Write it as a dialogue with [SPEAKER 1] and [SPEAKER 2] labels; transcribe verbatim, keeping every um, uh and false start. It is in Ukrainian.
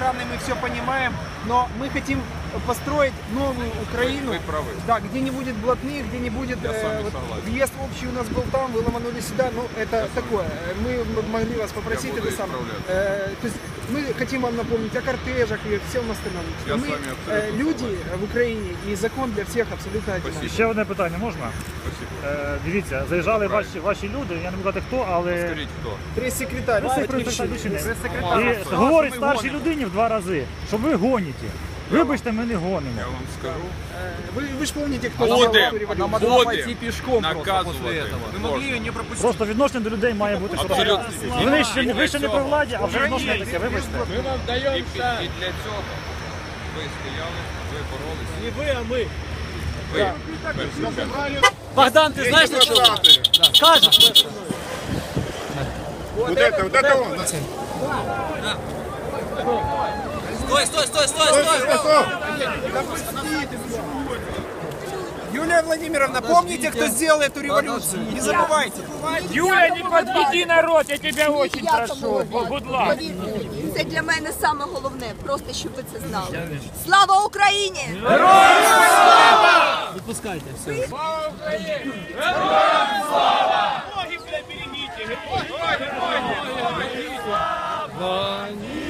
[SPEAKER 1] охраной, мы все понимаем, но мы хотим построить новую Украину,
[SPEAKER 2] Вы правы.
[SPEAKER 1] да, где не будет блатных, где не будет э, вот, въезд общий у нас был там, вы ломанули сюда, ну это такое. Мы могли вас попросить это самое. Э, то есть мы хотим вам напомнить о кортежах и всем остальном.
[SPEAKER 2] Я
[SPEAKER 1] мы,
[SPEAKER 2] с вами
[SPEAKER 1] э, люди в Україні і закон для всіх абсолютно одинаковий.
[SPEAKER 3] Ще одне питання можна? Е, дивіться, заїжджали ваші, ваші люди, я не буду казати хто, але...
[SPEAKER 2] Скажіть хто?
[SPEAKER 1] Прес-секретарь,
[SPEAKER 3] І говорить старшій людині в два рази, що ви гоніте. Вибачте, ми не гонимо.
[SPEAKER 2] Я вам скажу.
[SPEAKER 1] Вы, вы же помните, кто
[SPEAKER 2] Будем,
[SPEAKER 1] сделал эту революцию?
[SPEAKER 2] будем наказувати.
[SPEAKER 4] Мы могли ее не пропустить.
[SPEAKER 3] Просто відношення до людей має бути
[SPEAKER 2] Абсолютно.
[SPEAKER 3] Ви ще, не- ви ще не при владі, а вже відношення таке, вибачте.
[SPEAKER 2] Ми вам даємо і, і для цього ви стояли, ви боролися.
[SPEAKER 4] Не вы, а мы.
[SPEAKER 2] Ви перші.
[SPEAKER 4] Богдан, ты знаешь, что скажешь?
[SPEAKER 2] Вот это, вот это он.
[SPEAKER 4] Стой, стой, стой, стой, стой!
[SPEAKER 1] Юлия Владимировна, помните, кто сделал эту революцию? Не забывайте.
[SPEAKER 5] Юля, не подведи народ, я тебя очень прошу. Будь ласка.
[SPEAKER 6] Це для мене саме головне, просто щоб ви це знали. Слава Україні!
[SPEAKER 4] Выпускайте, все.
[SPEAKER 5] Слава Україні! Героям слава! Ноги, бля, берегите! Ноги, ноги, ноги!